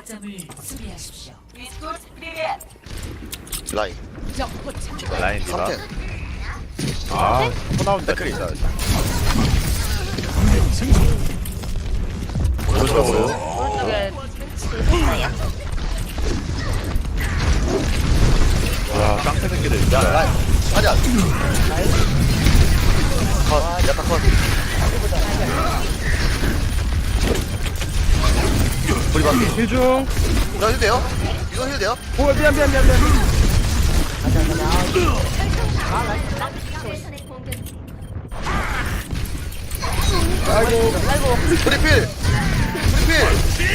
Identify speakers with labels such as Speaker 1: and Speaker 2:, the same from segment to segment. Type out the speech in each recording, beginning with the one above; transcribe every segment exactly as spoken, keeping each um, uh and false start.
Speaker 1: 거점을 수비하십시오.
Speaker 2: 라인
Speaker 3: 라인 디바.
Speaker 2: 삼탱
Speaker 3: 아, 또 나온다.
Speaker 2: 댓글이 있다.
Speaker 3: 오른쪽으로.
Speaker 4: 오른쪽에 있어요.
Speaker 3: 와, 깡패 새끼들.
Speaker 2: 야
Speaker 3: 진짜.
Speaker 2: 라인 아니야 컷 약간 컷 우리 반피
Speaker 5: 힐중.
Speaker 2: 나 힐 돼요? 이거 힐 돼요?
Speaker 5: 오 미안 미안 미안 미안. 아이고.
Speaker 2: 프리필 프리필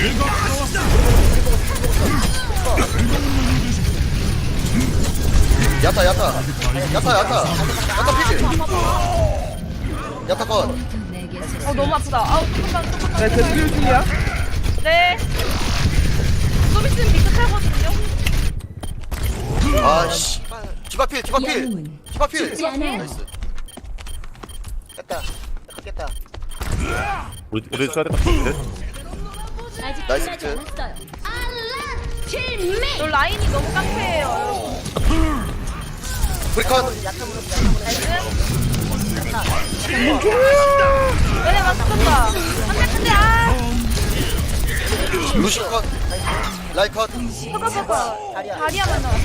Speaker 2: 야타 야타 야타 야타 야타 피지 야타 컷
Speaker 4: 어 너무 아프다. 아우 잠깐만 잠깐만.
Speaker 5: 네 계속 힐 중이야.
Speaker 4: 네. 좀 있으면 미크 탈거든요.
Speaker 2: 아씨 디바필 디바필
Speaker 1: 영웅은
Speaker 2: 디바필
Speaker 1: 죽지 않아요.
Speaker 2: 나이스 깼다 깼다
Speaker 3: 우리 우리 써야 될것 같은데.
Speaker 1: 아직
Speaker 2: 나이스
Speaker 1: 끝나지
Speaker 2: 비트.
Speaker 1: 않았어요.
Speaker 4: 너 라인이 너무 깡패예요.
Speaker 2: 프리컷
Speaker 4: 나이스. 얘네 막 쏜다. 안돼 안돼 아.
Speaker 2: 루시 컷 라이 컷
Speaker 4: 봐봐 봐봐. 다리야만 나왔어.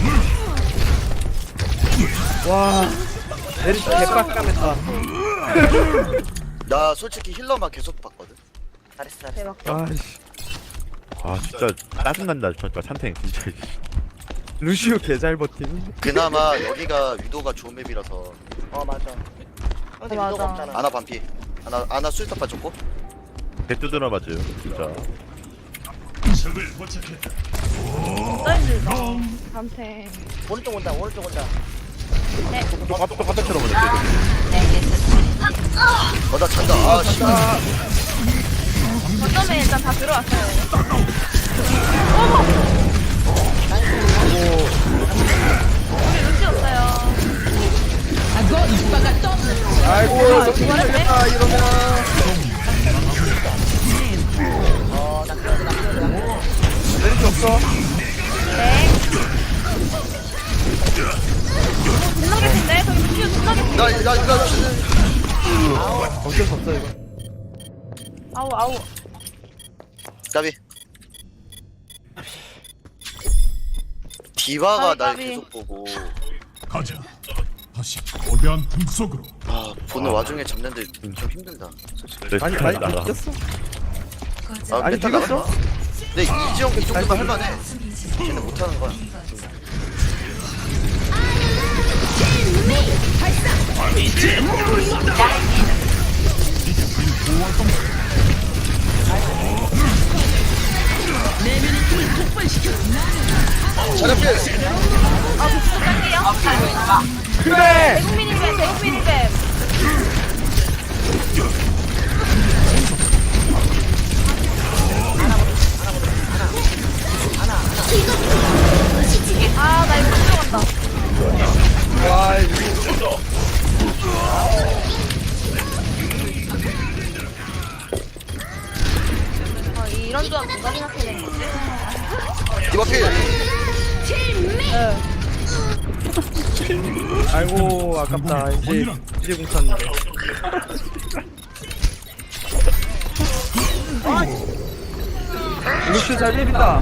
Speaker 5: 와. 내리 개빡감했다.
Speaker 2: 나 솔직히 힐러만 계속 봤거든 잘했어 잘했어
Speaker 4: 대박.
Speaker 5: 아씨.
Speaker 3: 아, 진짜 짜증난다. 진짜 찬탱 진짜.
Speaker 5: 루시오 개잘 버팀.
Speaker 2: 그나마 여기가 위도가 좋은 맵이라서
Speaker 6: 어 맞아. 근데
Speaker 4: 맞아.
Speaker 6: 위도가 없잖아.
Speaker 2: 아나 반피 아나 아나 수리탑 좋고
Speaker 3: 개 두드려 맞아요. 진짜.
Speaker 4: 나이스. 감태.
Speaker 6: 오른쪽 온다. 오른쪽 온다.
Speaker 3: 또 갑자기 바닥처럼 오네.
Speaker 2: 어나 잔다 아씨
Speaker 4: 거점에 일단 다 들어왔어요. 우리 루시 없어요.
Speaker 5: 아이고.
Speaker 4: 아, 이거랬네?
Speaker 5: 아 이러면.
Speaker 6: 어나 끼워줘. 나 끼워줘. 나 끼워줘.
Speaker 5: 내릴 수 없어.
Speaker 4: 네. 존나 개인데 저기 루시 존나 개인데.
Speaker 2: 나나 이거
Speaker 5: 어쩔 수 없어 이거.
Speaker 4: 아우 아우.
Speaker 2: 까비 디바가
Speaker 4: 까비,
Speaker 2: 날
Speaker 4: 까비.
Speaker 2: 계속 보고
Speaker 7: 가자. 다시 거대한 틈 속으로.
Speaker 2: 아 보는 와중에 잡는데 좀 힘들다 솔직히
Speaker 5: 많이 많이 이겼어.
Speaker 2: 아
Speaker 5: 아니
Speaker 2: 메타가
Speaker 5: 비겼어?
Speaker 2: 근데 이지영 이 정도면 할만해 쟤는 못하는 거야 자력필
Speaker 4: 아 부스 뺄게요.
Speaker 5: 그래.
Speaker 4: 대국민인뱀 대국민인뱀. 아 나 이거 못 들어간다.
Speaker 5: 와 이거.
Speaker 4: 아 이런 조합 누가 생각해낸 거지?
Speaker 2: 디바필
Speaker 4: 네.
Speaker 5: 아이고 아깝다. 이제 이제 공쳤는데. 루시오 잘 비빈다.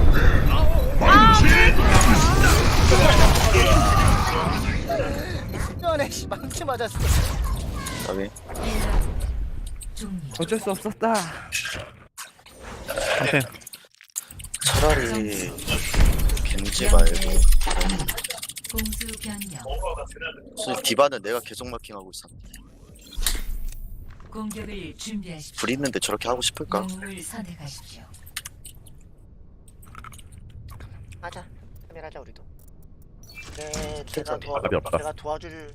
Speaker 6: 전에 씨 망치 맞았어.
Speaker 2: 까비
Speaker 1: 종료.
Speaker 5: 어쩔 수 없었다.
Speaker 3: 찬탱.
Speaker 2: 차라리 겐지 말고
Speaker 1: 공수 변경.
Speaker 2: 솔직히 디바는 내가 계속 마킹하고 있었는데
Speaker 1: 공격을 준비하십시오.
Speaker 2: 불 있는데 저렇게 하고 싶을까?
Speaker 1: 영웅을 선택하십시오.
Speaker 6: 하자. 카메라자 우리도. 네, 제가 도와
Speaker 3: 답이 없다.
Speaker 6: 제가 도와줄.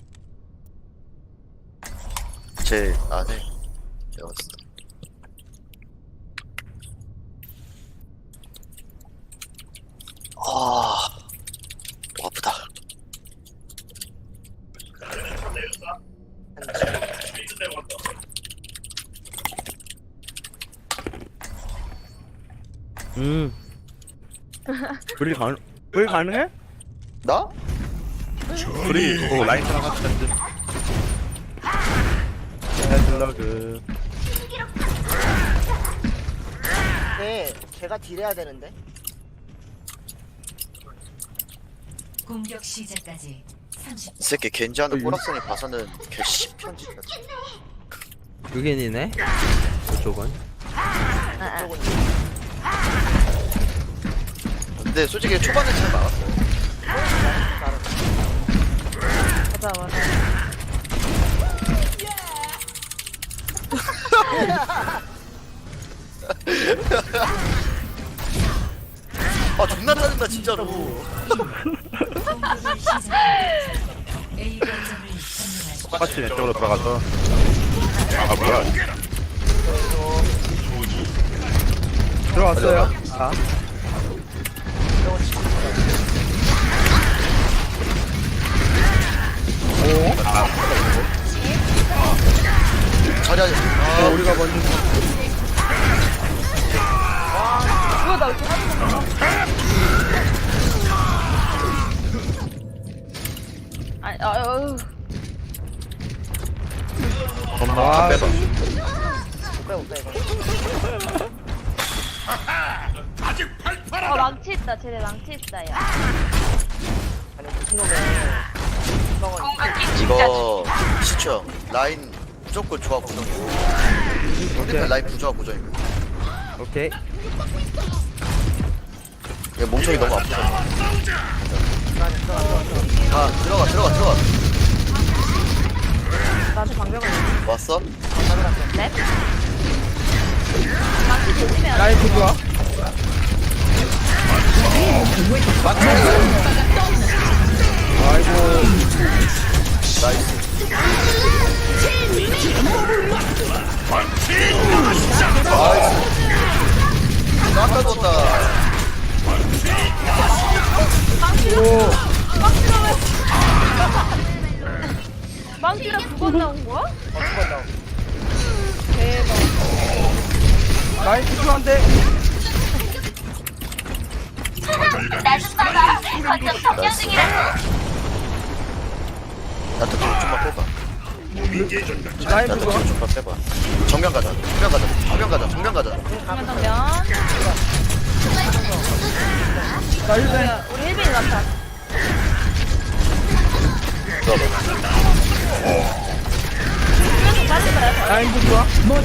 Speaker 2: 제 안에 내가 봤을 때 아, 또 아프다.
Speaker 5: 음.
Speaker 3: 불이 가능 불 가능해?
Speaker 2: 나?
Speaker 3: 불이 오 라인처럼 같이 던져. 헤드러그.
Speaker 6: 네, 걔가 딜해야 되는데.
Speaker 1: 공격 시작까지 삼십
Speaker 2: 이 새끼 겐지하는 꼬락선이 봐서는 개 십편지.
Speaker 5: 유겐이네. 그쪽은.
Speaker 2: 근데 솔직히 초반에 잘 막았어.
Speaker 4: 맞아 맞아.
Speaker 2: 아 존나 짜증나 진짜로.
Speaker 1: 공격을 시작. A 거점을 점령하십시오.
Speaker 3: 똑같이 왼쪽으로 들어가서. 아 뭐야?
Speaker 5: 들어왔어요. 아.
Speaker 2: 자리야.
Speaker 5: 어,
Speaker 2: 아
Speaker 5: 우리가 먼저.
Speaker 4: 뭐야 나 이렇게 하는 건가? 아니 아유.
Speaker 3: 엄마
Speaker 5: 아,
Speaker 3: 빼봐.
Speaker 6: 못 빼, 못 빼, 이거.
Speaker 7: 아직 팔팔하다.
Speaker 4: 어 망치 있다. 쟤네 망치 있다 야.
Speaker 6: 아니, 무슨 놈의 구멍을
Speaker 2: 이거 시청 라인 무조건 조합 고정이고. 상대편 라인 부조합 고정이고.
Speaker 5: 오케이.
Speaker 2: 얘 몸통이 너무 아프다. 아 들어가 들어가 들어가.
Speaker 4: 나한테 방벽을
Speaker 2: 왔어?
Speaker 4: 네? 망치 조심해야 돼.
Speaker 5: 라인 부좋아. 아이고.
Speaker 2: 나이스. 나이스. 나다 줬다.
Speaker 5: 오.
Speaker 4: 망치가 두 번 나온 거야?
Speaker 6: 어, 두번 나오.
Speaker 4: 대박.
Speaker 5: 라인 부좋한데.
Speaker 2: 나도 뒤로 좀만 빼봐.
Speaker 5: 라인
Speaker 2: 나도
Speaker 5: 부좋아.
Speaker 2: 뒤로 좀만 빼봐. 정면 가자. 정면 가자. 정면 가자. 정면 가자.
Speaker 4: 정면 정면.
Speaker 5: 나 힐벤.
Speaker 4: 우리 힐빈 같아. 빠질 거야.
Speaker 5: 라인 부좋아.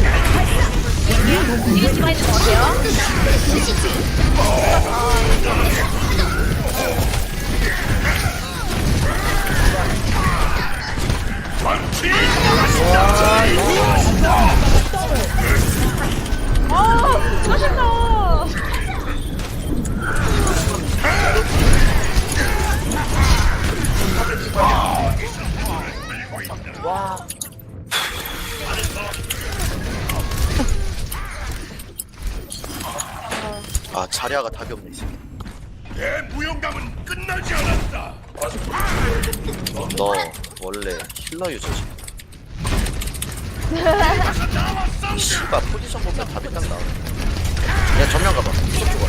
Speaker 4: 이거 집어 있는 것 같아요. 아, 짜증나.
Speaker 6: 와,
Speaker 2: 아 자리아가 답이 없네 이 새끼.
Speaker 7: 내 무용담은 끝나지 않았다.
Speaker 2: 너 원래 힐러 유저지. 씨발 포지션 보면 답이 딱 나와. 야 정면 가봐. 무섭 줘봐.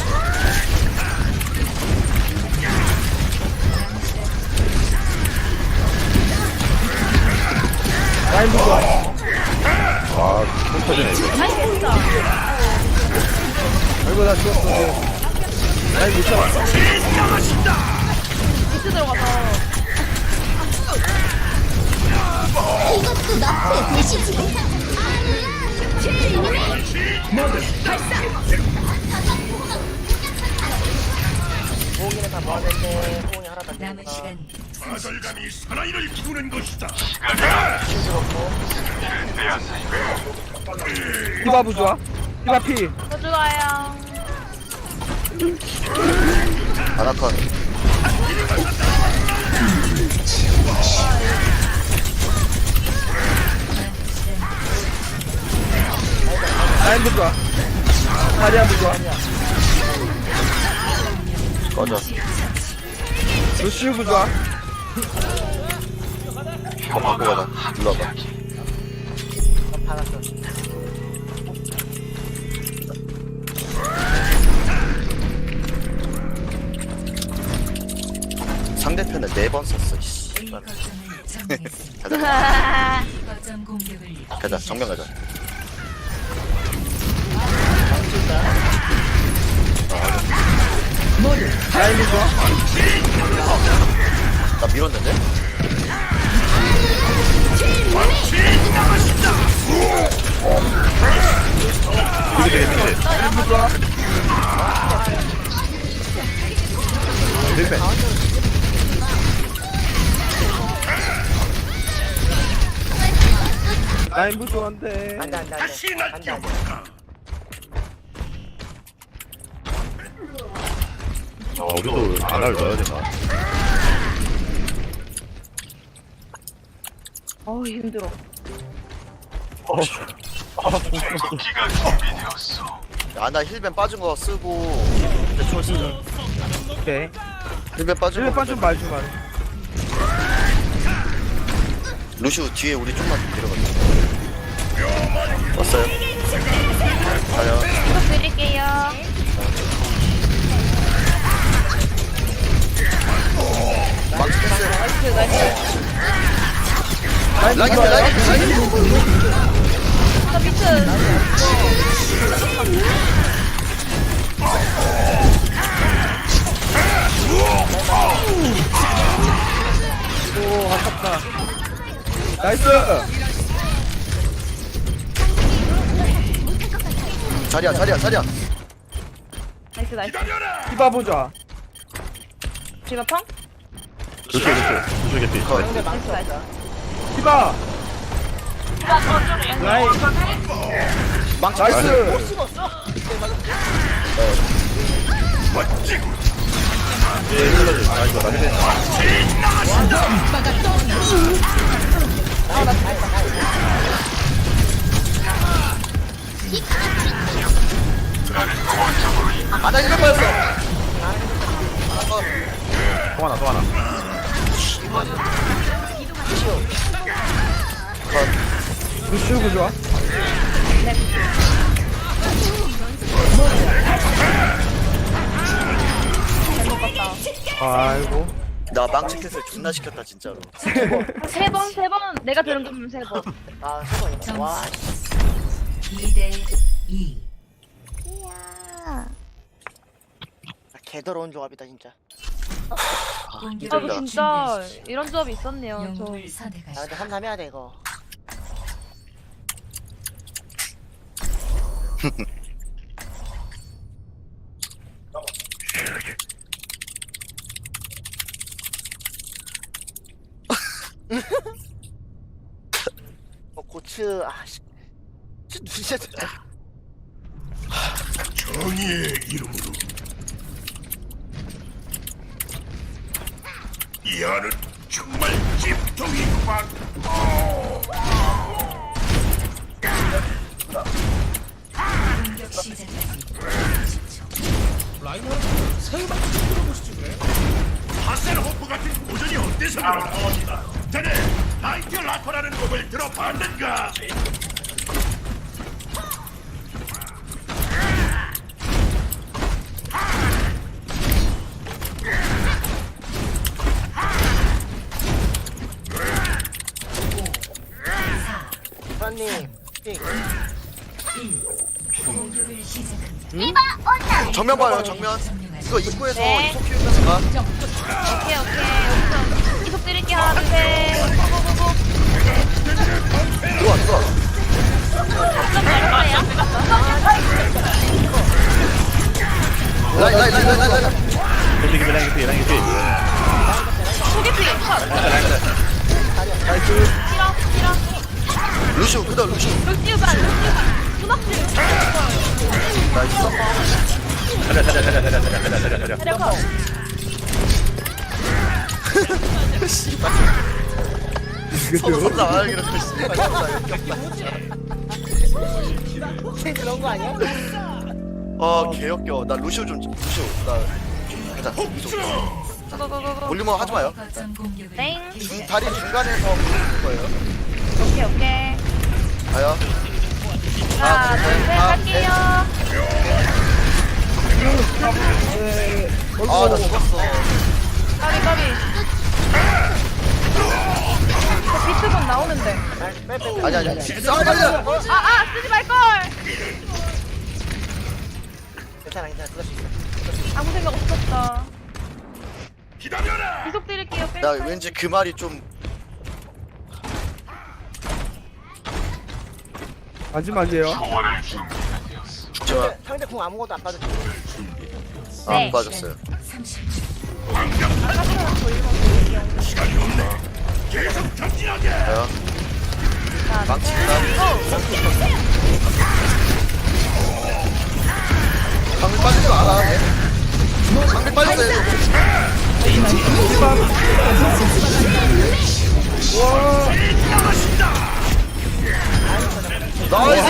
Speaker 5: 라인 부좋아.
Speaker 3: 아, 손 터지네 이거.
Speaker 4: 아니, 됐어.
Speaker 5: 아이고 나 죽었어. 라인 못 잡았어.
Speaker 4: 비트 들어가서.
Speaker 6: 호응이는 다 모아냈네. 호응이 하나 다
Speaker 1: 남은
Speaker 6: 깼다.
Speaker 1: 시간
Speaker 7: 거절감이 사나이를 부르는 것이다.
Speaker 5: 디바 부좋아. 디바 피.
Speaker 4: 더 좋아요.
Speaker 2: 아나콘.
Speaker 5: 라인 부좋아. 다리아 부좋아.
Speaker 2: 꺼져.
Speaker 5: 루시우 부좋아.
Speaker 2: 이거 바꿔 가자. 일로 와봐.
Speaker 6: 받았어.
Speaker 2: 상대편은 네 번 썼어. 씨.
Speaker 1: A 거점을 점령했습니다.
Speaker 2: 가자.
Speaker 1: 거점 공격을
Speaker 2: 가자. 정면 가자.
Speaker 5: 라인 부좋아.
Speaker 2: 나 밀었는데?
Speaker 3: 되게 되게 되게
Speaker 5: 라인 부좋아.
Speaker 3: 힐벤
Speaker 5: 라인 부좋아한데.
Speaker 6: 안돼 안돼
Speaker 7: 다시
Speaker 6: 안돼
Speaker 7: 날
Speaker 6: 안돼 안돼
Speaker 7: 껴볼까?
Speaker 3: 아 우리도 안할 넣어야 되나
Speaker 4: 어우 힘들어.
Speaker 2: 아나 힐벤 빠진 거 쓰고 이제 초 쓰자.
Speaker 5: 오케이.
Speaker 2: 힐벤 빠진
Speaker 5: 일반
Speaker 2: 거.
Speaker 5: 빤좀 말 좀 말.
Speaker 2: 루시우 뒤에 우리 좀만 데려가자. 왔어요. 가요.
Speaker 4: 이거 드릴게요.
Speaker 2: 망치 패스.
Speaker 4: 나이스 나이스.
Speaker 5: 라인
Speaker 2: 라인
Speaker 5: 부좋아.
Speaker 2: 라인 라인.
Speaker 4: 저 비트.
Speaker 5: 오 아깝다. 나이스.
Speaker 2: 자리야 자리야 자리야.
Speaker 4: 나이스 나이스.
Speaker 5: 디바 부좋아.
Speaker 4: 제가 펑?
Speaker 3: 루시 루시 루시 개피
Speaker 2: 컷.
Speaker 6: 상대 망치
Speaker 4: 나이스.
Speaker 6: 없다
Speaker 5: 디바. 라인.
Speaker 2: 망치
Speaker 5: 나이스.
Speaker 2: 패스.
Speaker 7: 멋지고
Speaker 3: 예 힐러지 아 이거 나 힐벤
Speaker 2: 아나 힐벤 빠졌어.
Speaker 3: 또 하나 또 하나
Speaker 5: 루시우 부좋아. 아이고.
Speaker 2: 나 망치 패스 존나 시켰다 진짜로.
Speaker 4: 세 번 세 번 내가 들은 거면 세 번.
Speaker 6: 아 세번이다 와
Speaker 1: 이 대 이.
Speaker 6: 아, 개더러운 조합이다 진짜
Speaker 4: 아
Speaker 1: 공격을
Speaker 4: 진짜
Speaker 1: 준비하십시오.
Speaker 4: 이런 조합이 있었네요. 저
Speaker 1: 영웅을
Speaker 6: 아
Speaker 1: 선택하십시오.
Speaker 6: 근데 한삼 해야 돼 이거 어 고츠 아씨 진짜
Speaker 7: 정의의 이름으로 이 안은 정말 찜통이구만.
Speaker 1: 공격 시작까지
Speaker 7: 하셀호프 같은 고전이 어때서 그런가? 자네 나이트 라커라는 곡을 들어봤는가?
Speaker 6: 프란님
Speaker 1: 공격을 시작합니다.
Speaker 2: 정면 봐요 정면. 이거 입구에서
Speaker 4: 네.
Speaker 2: 이속 키우면서 가.
Speaker 4: 오케이 오케이 여기서 이속 드릴게 하나 둘셋 고고고고.
Speaker 2: 들어와 들어와.
Speaker 4: 좀 내려가요.
Speaker 2: 라인 라인 라인 라인 라인 라인.
Speaker 3: 루시 개피 라인 개피 라인 개피
Speaker 4: 소개팅 컷.
Speaker 5: 나이스.
Speaker 4: 싫어 싫어.
Speaker 2: 루시우 그다음 루시우.
Speaker 4: 루시우가 루시우가 수납질.
Speaker 2: 나이스.
Speaker 3: 자리야 자리야 자리야 자리야 자리야 자리야 자리야
Speaker 4: 내려 컷.
Speaker 2: 씨발.
Speaker 5: 그죠?
Speaker 2: 서로 나 알기로 그 씨발 존나 역겹다.
Speaker 6: 그런 거 아니야?
Speaker 2: 어 개역겨. 나 루시우 좀 루시우. 나 가자. 이속.
Speaker 4: 고고고고.
Speaker 2: 볼륨업 하지 마요.
Speaker 1: 거점 공격을
Speaker 4: 땡.
Speaker 2: 중 다리 중간에서 보는 거예요.
Speaker 4: 오케이 오케이.
Speaker 2: 가요.
Speaker 4: 하나 둘셋 갈게요.
Speaker 5: 네.
Speaker 2: 아 나 죽었어.
Speaker 4: 까비 까비. 저 비트건 나오는데.
Speaker 6: 빼빼빼.
Speaker 2: 아니 아니 싸우지 말자.
Speaker 4: 아아 쓰지 말 걸.
Speaker 6: 괜찮아 괜찮아 그럴 수 있어.
Speaker 4: 아무 생각 없었다.
Speaker 7: 기다려라.
Speaker 4: 계속 드릴게요.
Speaker 2: 나
Speaker 4: 뺄까요?
Speaker 2: 왠지 그 말이 좀
Speaker 5: 앉으면 안 돼요.
Speaker 2: 좋아.
Speaker 6: 상대, 상대 궁 아무것도 안 빠졌지.
Speaker 2: 안
Speaker 4: 네.
Speaker 2: 빠졌어요.
Speaker 1: 삼십
Speaker 7: 시간이 없네. 계속 전진하게.
Speaker 2: 가요.
Speaker 4: 자,
Speaker 2: 망치다. 방금 빠지지 마라. 방금 빠졌어요. 나이스.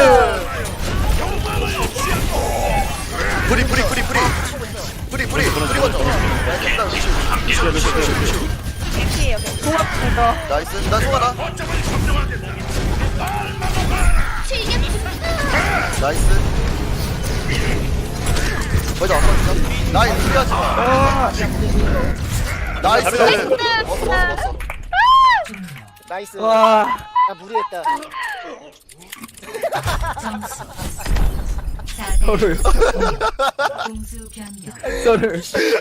Speaker 2: 뿌리 뿌리 뿌리 뿌리 뿌리 뿌리 뿌리 먼저.
Speaker 4: 개피예요. 고맙습니다.
Speaker 2: 나이스. 나 송하나. 나이스. 거기다 왔어. 나이스. 피하지 마. 나이스. 먹어 먹어 먹어.
Speaker 6: 나이스.
Speaker 5: 와,
Speaker 6: 나 무리했다.
Speaker 1: 점수 사 대
Speaker 5: 서를,
Speaker 1: 공수 변경.
Speaker 5: 서를.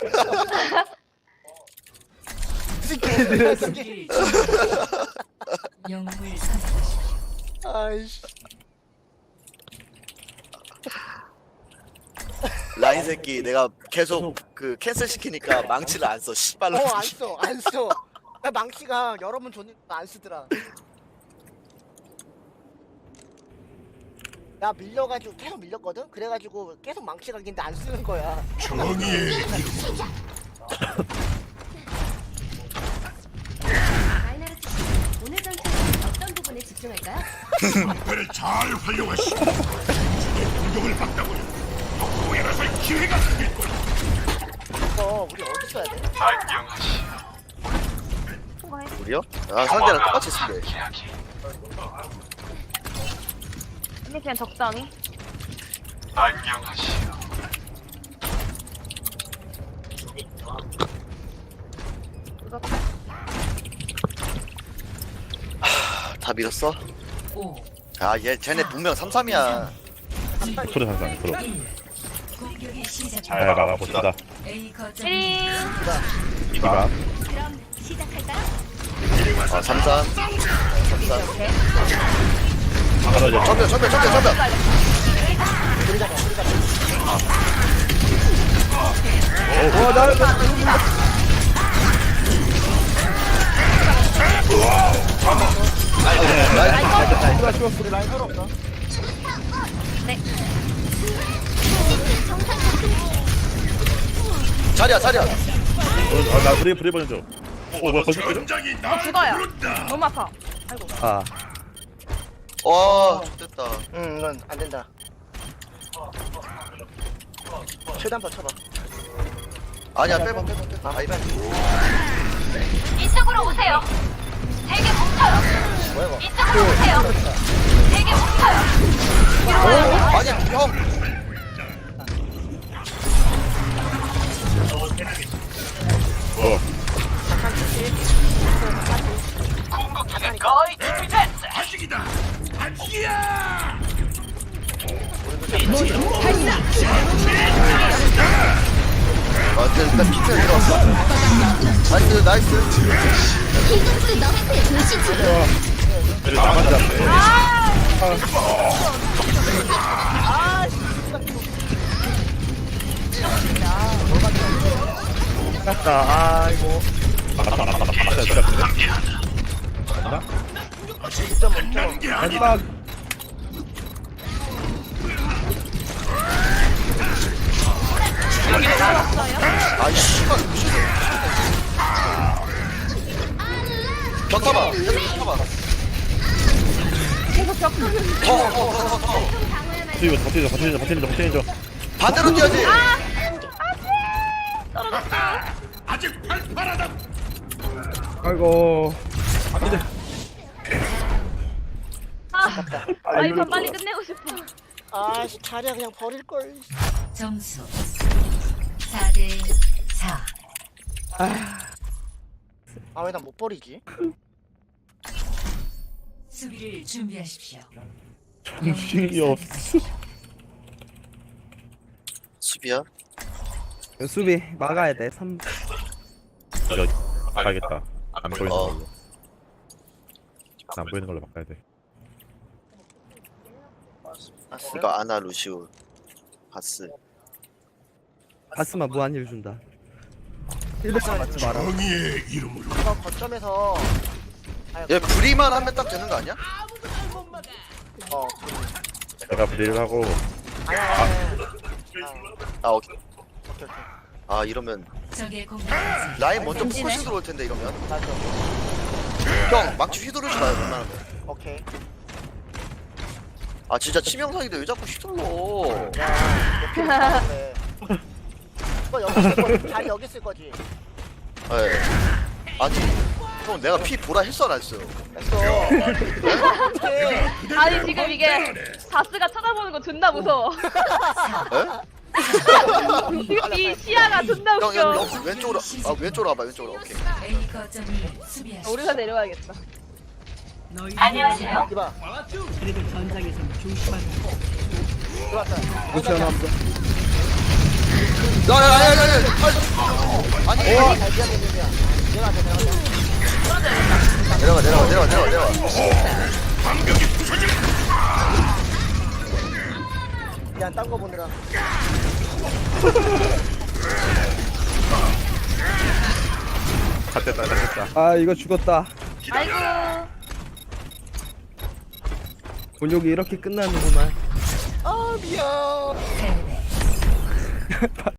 Speaker 1: 영웅을 선택하십시오.
Speaker 6: 아이씨.
Speaker 2: 라인 새끼 내가 계속 그 캔슬 시키니까 망치를 안 써. 씨발로.
Speaker 6: 어 안 써, 안 써. 나 망치가 여러 번 줬는데 안 쓰더라. 나 밀려가지고 계속 밀렸거든. 그래가지고 계속 망치 가긴데 안 쓰는 거야.
Speaker 7: 정의의 이름으로.
Speaker 8: 마이너리티 씨, 오늘 전투는 어떤 부분에 집중할까요?
Speaker 7: 방패를 잘 활용하시고 적의 공격을 받다보니 오해라설 기회가 생길 거야.
Speaker 6: 이거 우리 어디 써야 돼?
Speaker 2: 우리요? 아 상대랑 똑같이 쓰네.
Speaker 4: 근데 그냥 적당히.
Speaker 2: 다 밀었어?
Speaker 1: 오,
Speaker 2: 아얘 쟤네 분명 삼 삼이야.
Speaker 3: 프로 상상 프로.
Speaker 1: 공격이 시작.
Speaker 3: 잘 막아봅시다.
Speaker 1: A 거점
Speaker 4: 일.
Speaker 3: 이봐.
Speaker 8: 그럼 시작할까요?
Speaker 2: 아 삼 삼. 삼 삼.
Speaker 3: 떨어져.
Speaker 2: 전멸 전멸 전멸 전멸.
Speaker 5: 와, 나, 나,
Speaker 2: 나이스.
Speaker 5: 나 죽었어.
Speaker 6: 우리 라인 서로 없어.
Speaker 2: 자리야 자리야.
Speaker 3: 어, 나 브레이 브레이 버전 줘. 어, 뭐야 벌써 끌어?
Speaker 7: 전장이 나를
Speaker 4: 죽어요.
Speaker 7: 부른다.
Speaker 4: 너무 아파. 아이고.
Speaker 5: 아,
Speaker 2: 와 됐다.
Speaker 6: 응, 이건 안 된다. 최대한 버텨봐.
Speaker 2: 아니야 빼봐 빼봐 빼봐. 아이 빼.
Speaker 4: 이쪽으로 오세요. 되게 뭉쳐요.
Speaker 6: 뭐야 이거?
Speaker 4: 이쪽으로 오세요. 되게 뭉쳐요.
Speaker 2: 아니야 형.
Speaker 3: 어.
Speaker 7: 아직이다. 아직이야.
Speaker 2: 아 근데 일단 피트 들어왔어. 나이스 나이스.
Speaker 8: 이것도 너한테 도시지.
Speaker 3: 그래 나만 잡네.
Speaker 5: 났다. 아이고.
Speaker 3: 막았다 막았다 막았다 막았다. 맞나?
Speaker 7: 난게 아니다.
Speaker 5: 마지막.
Speaker 2: 아이 씨발. 벽 타봐. 벽 타봐.
Speaker 4: 계속 벽.
Speaker 2: 더더더더
Speaker 3: 이거 버티자 버티자 버티자 버티자.
Speaker 2: 반대로 뛰어야지.
Speaker 7: 아직 팔팔하다.
Speaker 5: 아이고. 이제
Speaker 4: 아, 아, 이거 빨리 끝내고 싶어.
Speaker 6: 아씨 자리야 그냥 버릴 걸.
Speaker 1: 점수 사 대 사.
Speaker 6: 아 왜 나 못 버리지?
Speaker 1: 수비를 준비하십시오.
Speaker 5: 정신이 없어.
Speaker 2: 수비야?
Speaker 5: 수비 막아야 돼. 삼.
Speaker 3: 이거 가야겠다. 안 보이는
Speaker 2: 어.
Speaker 3: 걸로. 안 보이는 걸로 바꿔야 돼.
Speaker 2: 이거 아나 루시우 바스.
Speaker 5: 바스만 무한 힐 준다. 힐백만 맞지 마라.
Speaker 7: 정의의 이름으로
Speaker 6: 이거 거점에서 아니,
Speaker 2: 얘 불이만 하면 딱 되는 거 아니야?
Speaker 6: 어
Speaker 3: 내가 브리를 하고
Speaker 6: 아니 아니 아니
Speaker 2: 아 오케이.
Speaker 6: 오케이 오케이
Speaker 2: 아 이러면
Speaker 1: 적의 공격까지
Speaker 2: 라인 먼저
Speaker 4: 던지네.
Speaker 2: 포커싱 들어올 텐데 이러면.
Speaker 6: 맞아
Speaker 2: 형 망치 휘두르지 마요 웬만하면.
Speaker 6: 오케이
Speaker 2: 아 진짜 치명상인데 왜 자꾸 휘둘러.
Speaker 6: 야너 피가 그래 이거 여기 쓸 거지 다리 여기 쓸 거지
Speaker 2: 예. 아니 형 내가 피 보라 했어 안 했어요?
Speaker 6: 됐어 어떡해
Speaker 4: 아니 지금 이게 바스가 쳐다보는 거 존나 무서워.
Speaker 2: 예?
Speaker 4: 지금 이 시야가 존나
Speaker 2: 형, 형,
Speaker 4: 웃겨.
Speaker 2: 형 왼쪽으로 아 왼쪽으로 와봐 왼쪽으로. 오케이.
Speaker 1: A 거점을 수비하십시오.
Speaker 4: 우리가 내려와야겠다.
Speaker 1: 안녕하세요.
Speaker 6: 이봐
Speaker 1: 그래도 전장에서는 조심하세요.
Speaker 6: 들어왔다
Speaker 5: 루시 하나 한번.
Speaker 2: 야야야야야. 아니
Speaker 6: 어, 잘 지어졌는데요. 내려가자, 내려가자.
Speaker 2: 내려가 내려가 내려가 내려가 내려가.
Speaker 6: 야, 딴 거 보느라.
Speaker 3: 갓됐다 갓됐다.
Speaker 5: 아 이거 죽었다.
Speaker 4: 아이고.
Speaker 5: 곤욕이 이렇게 끝나는구만.
Speaker 6: 아, 미안.
Speaker 1: 패배.